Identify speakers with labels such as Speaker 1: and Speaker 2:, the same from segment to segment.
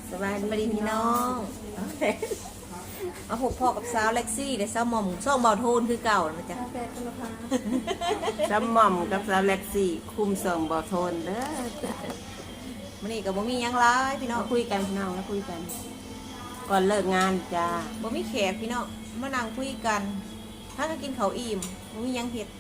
Speaker 1: สบายดี
Speaker 2: พี่น้องมาพบพ่อกับสาวเล็กซี่และสาวหม่อมช่องเบาโทนคือเก่านะจ๊ะ
Speaker 1: สมหม่อมกับสาวเล็กซี่คุมส่งบ่อโทนเด้อ
Speaker 2: มื้อนี้ก็บ่มีหยังหลายพี่น้อง
Speaker 1: มาคุยกันพี่น้องมาคุยกัน ก่อนเลิกงานจ้า
Speaker 2: บ่มีแขกพี่น้องมานั่งคุยกันถ้าก็กินข้าวอิ่มบ่มีหยังเฮ็ด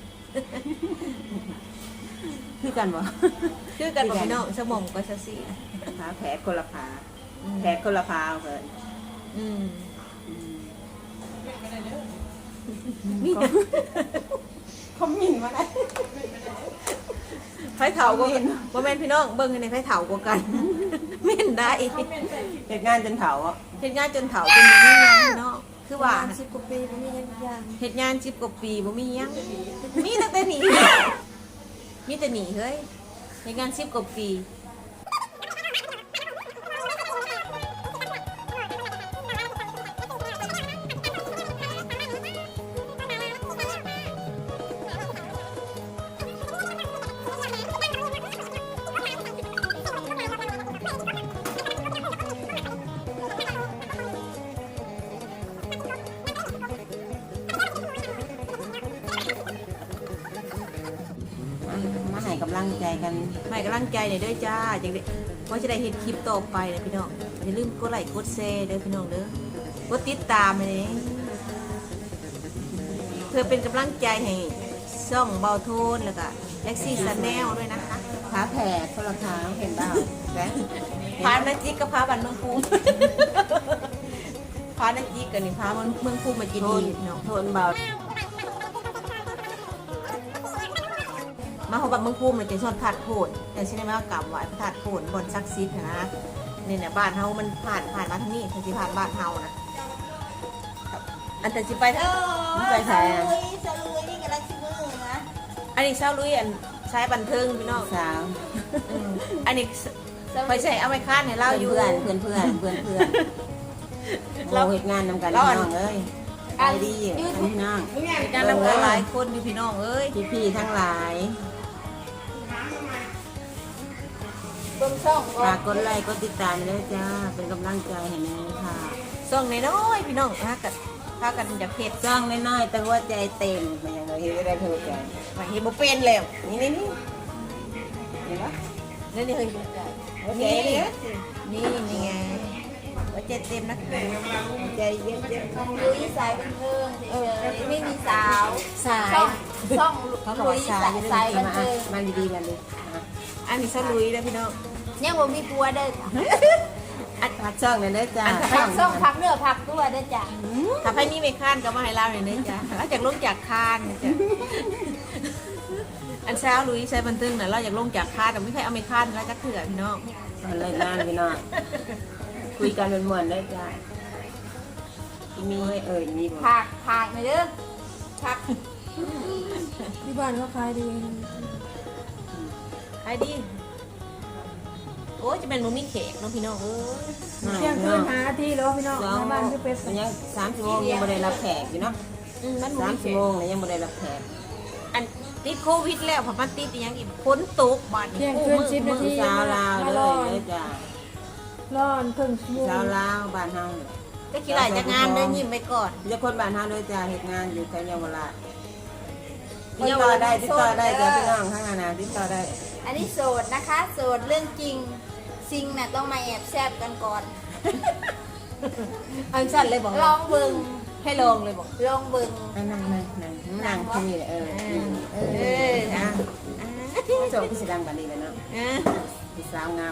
Speaker 1: คือกันบ่
Speaker 2: คือกันบ่พี่น้องสาวหม่อมกับสาวซี่
Speaker 1: ขาแผลคนละขาแผลคนละพาเพิ่น
Speaker 2: อืม
Speaker 1: เขาหมิ่นมาได้
Speaker 2: ไผเฒ่าก็บ่แม่นพี่น้องเบิ่งให้ในไผเฒ่ากว่ากันแม่นได้
Speaker 1: เหตุงานจนเฒ่าอ่ะ
Speaker 2: เฮ็ดงานจนเฒ่าจนบ่มีหยังพี่น้องคือว่า
Speaker 3: 10 กว่าปีบ่มีหยังอย่าง
Speaker 2: เฮ็ดงาน10กว่าปีบ่มีหยังมีตั้งแต่หนีมีแต่หนีเฮ้ยเฮ็ดงาน10กว่าปี
Speaker 1: มาให้กำลังใจกัน
Speaker 2: ให้กำลังใจหน่อยเด้อจ้าจังได้ว่าจะได้เห็นคลิปต่อไปนะพี่น้องอย่าลืมกดไลค์กดแชร์เด้อพี่น้องเด้อกดติดตามเลยเพื่อเป็นกำลังใจให้ช่องเบาโทนแล้วก็แล็กซี่ซันแนลด้วยนะคะ
Speaker 1: ขาแผลคนละขาเห็นเปล่าแผล
Speaker 2: พานาจิกกับพาบันเมืองภูมิ พานาจิกกับนี่พาเมืองภูมิมากิน
Speaker 1: โท
Speaker 2: ดี
Speaker 1: น
Speaker 2: พี่น้อง
Speaker 1: โทนเบา
Speaker 2: มาเขาบันเมืองภูมิมันจะชอบถาดโผนแต่ใช่ไหมว่ากราบไหว้พระธาตุโผนบนซักซิดนะนี่เนี่ยบ้านเฮามันผ่านมาทางนี้ทางที่ผ่านบ้านเฮานะอันแต่สิไปทาง
Speaker 1: ไปใส่อะ
Speaker 3: สลุยนี่กำลังสิมือนะ
Speaker 2: อันนี้เช้าลุยอันใช้บันเทิงพี่น้อง
Speaker 1: สาว
Speaker 2: อันนี้ไปใช้เอาไปค้านให้เราอยู่
Speaker 1: เพื่อนเราเหตุงานนำกันพี่น้องเอ้ยไปดีพี่น้อง
Speaker 2: การนำกันหลายคนอยู่พี่น้องเอ้ย
Speaker 1: พี่ๆทั้งหลาย
Speaker 3: เบิ่งช่อง
Speaker 1: ฝากกดไลค์กดติดตามด้วยจ้าเป็นกำลังใจให้แม่ค่ะ
Speaker 2: ส่งน้อยๆพี่น้องพากันอยากเฮ็ด
Speaker 1: จ้องน้อยๆแต่ว่าใจเต็มมันยังไงเฮ็ดได้เท่าใจ
Speaker 2: มาเฮ็ดบ่เป็นแล้ว
Speaker 1: นี่นี่นี่เห็นปะ
Speaker 2: นี่นี่เฮ้ย
Speaker 1: โอเค
Speaker 2: นี่นี่ไงว่าใจเต็มนะ
Speaker 1: ใจเย็น
Speaker 3: ลุยสายบันเทิงเฉยๆไม่มีสาว
Speaker 2: สาย
Speaker 3: ช่องลุยสายบัน
Speaker 1: มา
Speaker 3: เทิง
Speaker 1: มาดีๆมาเลย
Speaker 2: อันนี้เช้าลุยแล้วพี่น้อง
Speaker 3: ยังบ่มีผัวเด้อ
Speaker 1: พักช่องเลยเด้อจ้า
Speaker 3: พักช่องพักเนื้อพักตัวเด้อจ้ะ
Speaker 2: ถ้าไผมีไม่ค้านก็มาให้เราหน่อยเด้อจ้ะเราอยากลงจากคานนะจ้ะอันเช้าลุยใช้บันทึงน่ะเราอยากลงจากคานแต่ไม่ใครเอาไม่ค้านแล้วจักเถื่อพี่น้อง
Speaker 1: เลยงานพี่น้องคุยกันเป็นมวนได้จ้ามีมีบ่
Speaker 3: พักหน่อยเด้อพัก
Speaker 4: ที่บ้านก็ขายดี
Speaker 2: ใครดีโอ้ยจะเป็นมึงมีเขกเน้องพี่น้องเอ้ย
Speaker 4: เที่ยงคืนหาที่แล้วพี่น้อง
Speaker 1: สอง
Speaker 4: ในบ้านคือเป็ด
Speaker 1: มันยัง3 ชั่วโมงยังไม่ได้รับแขกอยู่เนาะ
Speaker 2: มันบ่
Speaker 1: 3
Speaker 2: มีเข
Speaker 1: ชั่ว
Speaker 2: ก
Speaker 1: โมงเลยยังไม่ได้รับแขก
Speaker 2: อันติดโควิดแล้วพอมันติดอีหยังอีกฝนตกบาด
Speaker 4: เที่ยงคืน10 นาที
Speaker 1: สาวลาว
Speaker 4: มา
Speaker 1: เล
Speaker 4: รอย
Speaker 1: เลยจ้า
Speaker 4: ร้อนครึ่งชั่วโมง
Speaker 1: สาวลาวบ้านเฮา
Speaker 2: ก็คิดหลายจากงานเด้อยิ้มไปก่อน
Speaker 1: จะคนบ้านเฮาเลยจ้าเฮ็ดงานอยู่แถวเยาวราชติดต่อได้จ้าพี่น้องข้างหน้าติดต่อได้
Speaker 3: อันนี้โสดนะคะโสดเรื่องจริงซิงน่ะต้องมาแอบแซบกันก่อน
Speaker 2: อันสั้นเลยบอก
Speaker 3: ลองเบิ่ง
Speaker 2: ให้ลองเลยบอก
Speaker 3: ลองเบิ่ง
Speaker 1: นั่งที่นี่เออ
Speaker 2: อ่ะ
Speaker 1: โจพี่สิดังกันดีเลยเนาะ พี่สาวงาม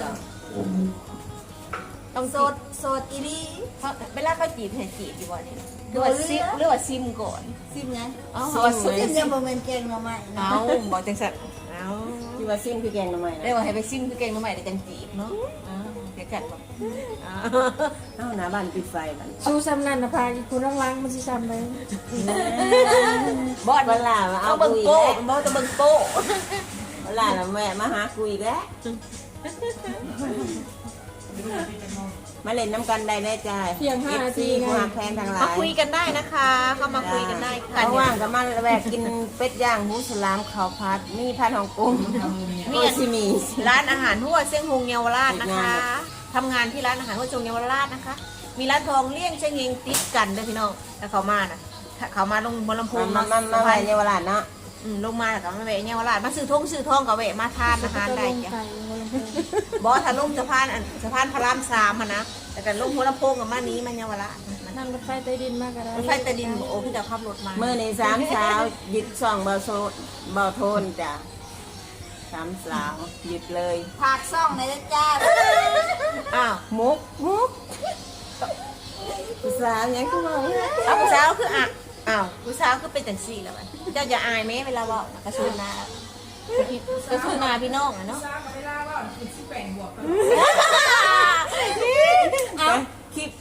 Speaker 2: ต้อง
Speaker 3: โสดโสดอีหลี
Speaker 2: เวลาเขาจีบให้จีบอยู่บ่นี่หรือว่าซิมหรือว่าซิมก่อน
Speaker 3: ซิมไง
Speaker 2: อ๋อ
Speaker 3: ซิมยังบ่แม่นเก่งเนาะใหม่นะ
Speaker 2: เอาบอกจังสัตว์เอา
Speaker 1: ที่ว่าซิมคือแกงทำไม
Speaker 2: ได้
Speaker 1: นะ
Speaker 2: ว่าให้ไปซิมคือเก่งมาใหม่แต่จังจีบเนาะเดี๋ยวกัดบอก
Speaker 1: เอ้าหน้าบ้านปิดไฟบ้าน
Speaker 4: ชูซ้ำนั่นนะพาอีกคนล้างๆมันสิซ้ำเลย
Speaker 2: บอด
Speaker 1: เวลามาเอา
Speaker 2: เอาเบิ่ง
Speaker 1: คุย
Speaker 2: โป้
Speaker 1: แล้ว
Speaker 2: บอดจะเบิ่งโป้
Speaker 1: เวลาแม่มาหาคุยแล้วมาเล่นน้ำกันได้เลยจ้า
Speaker 4: เที่ยง5 นาทีไง
Speaker 1: ผู้หักแพงทางหลา
Speaker 2: มาคุยกันได้นะคะ เข้ามาคุยกันได้ค่ะ
Speaker 1: เขาว่างก็มาแวกกินเป็ดย่างหมูสลามข้าวผัดมีผัดของกุ้งมีซิมี
Speaker 2: ร้านอาหารทั่วเซี่ยงฮงเยาวราชนะคะ
Speaker 1: ท
Speaker 2: ทำงานที่ร้านอาหารหัวจงเยาวราชนะคะ มีร้านทองเลี่ยงเชงเงงติดกันเด้อพี่น้องแต่เขามาน่ะเขามาลงบนลำโพง
Speaker 1: มาไว้เยาวราชเนาะ
Speaker 2: ลงมาแล้วก็มาแวะเยาวราชมาซื้อทองกับแวะมาทานอาหารได้จ้ะ
Speaker 4: ไก่หัวลำโพง
Speaker 2: บอสถ้าลงสะพานพระราม3นะแต่กันลงหัวลำโพงกับมานี้มันเยาวราช
Speaker 4: นั่งรถไฟใต้ดินมากก็ได้
Speaker 2: รถไฟใต้ดินโอ้พี่จะขับรถมา
Speaker 1: มื้อนี้3สาวหยุด2เบาโทนจ้ะ3สาวหยุดเลย
Speaker 3: ผักซ่องในอยจ้า
Speaker 2: อ้าว
Speaker 1: มุกผู้สาวยังคือว่า
Speaker 2: เอาผู้สาวคืออ้าวผู้สาวคือเป็นจังซี่แล้วมันเจ้าจะอายไหมเวลาเว่ากระซูนาพี่น้องอะเนาะ
Speaker 1: คลิป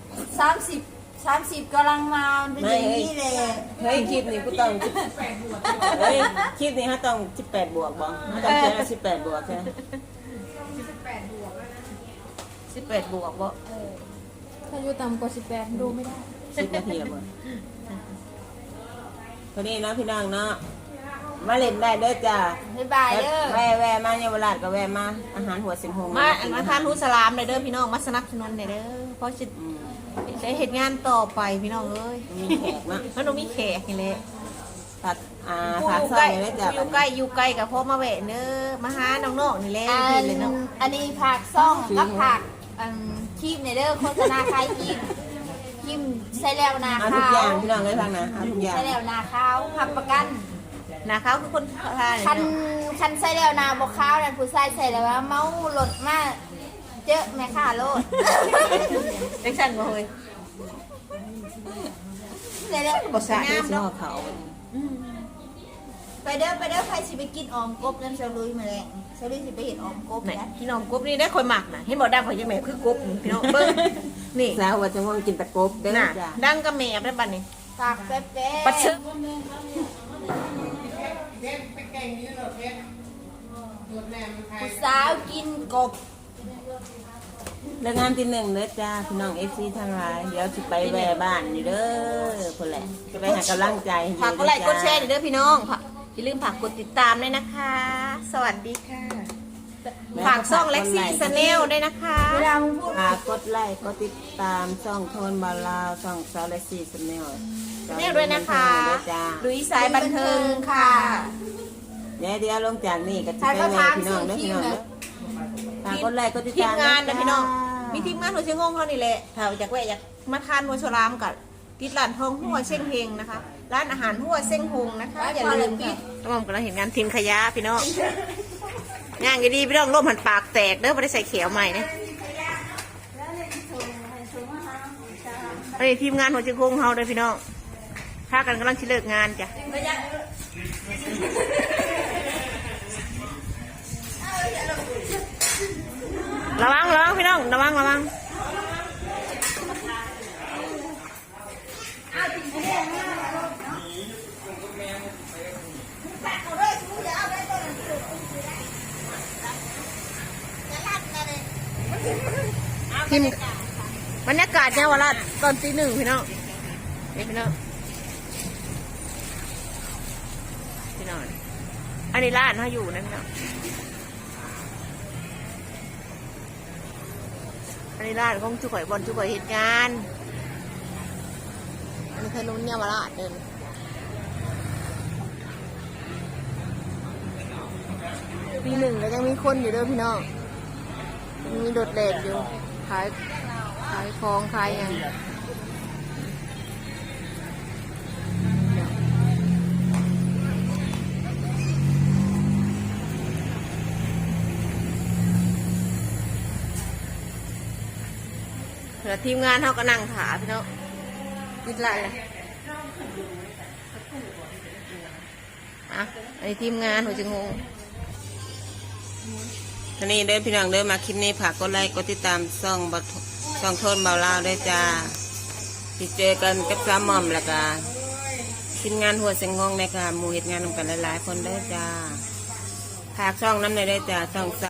Speaker 3: 30กำลังมาเป็นอย่างนี้เลย
Speaker 1: เฮ้ยคลิปนี้กูต้องเฮ้ยคลิปนี้ฮะต้อง18 บวกบ่ต้องเขียน18 บวกใช่ไหม
Speaker 2: 18 บวกบ่
Speaker 4: ถ้าอยู่ต่ำกว่า18ดูไม่ได้
Speaker 1: 10 นาทีละบ่พอดีเนาะพี่น้องเนาะมาเล่นได้เด้อจ้า
Speaker 3: บ๊ายบายเด้อ
Speaker 1: แวะมาเยาวราชก็แวะมาอาหารหัวสิงหง
Speaker 2: มาทานฮูสลามเลยเด้อพี่น้องมาสนับสนุนเลยเด้อเพราะจะได้เหตุงานต่อไปพี่น้องเอ้ย
Speaker 1: มีแขกเนาะ
Speaker 2: มันต้องมีแขกนี่แหละ
Speaker 1: ผัด
Speaker 2: ผู้อยู่
Speaker 1: ผัดซ
Speaker 2: ใก
Speaker 1: อ
Speaker 2: ล้
Speaker 1: ยเลยจ้า
Speaker 2: อยู่ใกล้กับพ่อมาแวะเด้อมาหาน้องๆนี่แหละ
Speaker 3: อั
Speaker 2: พี่
Speaker 3: น
Speaker 2: เลยเนาะ
Speaker 3: อันนี้ผักซ่องกับผักคีบในเด้อโฆษณาขายคีบใส่แล้วนา
Speaker 1: เอาทุ
Speaker 3: ข้าก
Speaker 1: อย่าง
Speaker 3: ว
Speaker 1: พี่น้องเลยฟังนะเอาทุกอย่าง
Speaker 3: ใส่แล้วนาข้าวผักประกัน
Speaker 2: นะเขาคือคนทาน
Speaker 3: คันใส่แล้วนาบ่ข้าวนั่นผู้ชายใส่แล้วว่าเมาหลดมาเจอแม่ค้าโลด
Speaker 2: เด็กสั่นบ่เฮ้ย
Speaker 3: ใส่แล้ว
Speaker 2: บ่สะ
Speaker 1: เดี๋ยวสิห่อเขา
Speaker 3: ไปเด้อใครสิไปกินออมกบนั่นเซลุยมาแรงเซลุยสิไปเห็นออมกบ
Speaker 2: ไหน
Speaker 3: นะ
Speaker 2: พี่น้องกบนี่ได้คอยหมักนะเห็นบอกดังข่อยยังแม่คือกบนี่พี่น้องเบิ้งนี่
Speaker 1: สาวว่าจะง่วงกินตะกบเด้อ
Speaker 2: น่ะ
Speaker 1: จ้า
Speaker 2: ดังกับแม่ได้บัดนี้
Speaker 3: ฝากแป๊บๆ
Speaker 2: ปัดชึก
Speaker 3: ผู้สาวกินกบ
Speaker 1: เลิกงานที่1เด้อจ้าพี่น้อง FC ทั้งหลายเดี๋ยวสิไปแวะบ้านนี่เด้อพุ่นแหละจะไปหากำลังใจให้
Speaker 2: ฝากกดไลค์กดแชร์เด้อพี่น้องอย่าลืมฝากกดติดตามด้วยนะคะ สวัสดีค่ะฝากช่องเล็กซี่สแนลด้วยนะคะ
Speaker 3: เวลามึงพูด
Speaker 1: กดไลค์กดติดตามช่องโทนบาลาวช่องสาวและซีสแนล
Speaker 2: แนลด้วยนะคะ
Speaker 1: จ้า
Speaker 2: ลุยสายบันเทิงค่ะ
Speaker 1: เดี๋ยวลงจากนี่ก็จะ
Speaker 3: ใคร
Speaker 1: ไป
Speaker 3: ก็
Speaker 1: แวะ
Speaker 3: ถาม
Speaker 1: พี่น้อง
Speaker 3: ซื้อ
Speaker 1: เด้อ
Speaker 3: คิ
Speaker 1: พี่
Speaker 3: ว
Speaker 1: น้อง
Speaker 3: เล
Speaker 1: เด้
Speaker 3: ย
Speaker 1: อฝากกดไลค์กดติด
Speaker 2: ที
Speaker 1: ตาม ม
Speaker 2: งานนะพี่น้อง มี
Speaker 1: มี
Speaker 2: ทีมงานหัวเชียงงงเขานี่แหละถ้าอยากแวะอยากมาทานหัวฉลามกับติดร้านทองหัวเชียงเฮงนะคะ ร้านอาหารหัวเชียงหงนะคะอย่าลืมค่ะน้องกำลังเห็นงานทีมขยะพี่น้องย่างดีๆพี่น้องร่มหันปากแตกเด้อไม่ได้ใส่เขียวใหม่เนี่ยอันนี้ทีมงานหัวเชียงหงเขาเลยพี่น้องถ้ากันกำลังชิเลิกงานจ้ะระวังพี่น้องระวังทีมบรรยากาศเนี่ยวันละตอนตี 1พี่น้องนี่พี่น้องอันนี้ร้านเขาอยู่นั่นพี่น้องอันนี้ร้านของจุ๋ยบอลจุ๋ยเหตุงานอันนี้ถนนเนี่ยมาลาดเดินปี 1ก็ยังมีคนอยู่เด้อพี่น้องยังมีโดดเด่นอยู่ขายของขายอย่างแล้วทีมงานเขาก็นั่งถาพี่น้องติดไรเลยอ่ะไอ้ทีมงานหัวจะงง
Speaker 1: ทีนี้เด้อพี่น้องเด้อมาคลิปนี้ฝากกดไลค์กดติดตามช่องโทนเบาลาวด้วยจ้าที่เจอกันกับสามหม่อมแล้วก็ทีมงานหัวเสียงงงในค่ะหมู่เหตุงานนำกันหลายๆคนเด้อจ้าฝากช่องน้ำในอยเด้อจ้าช่อง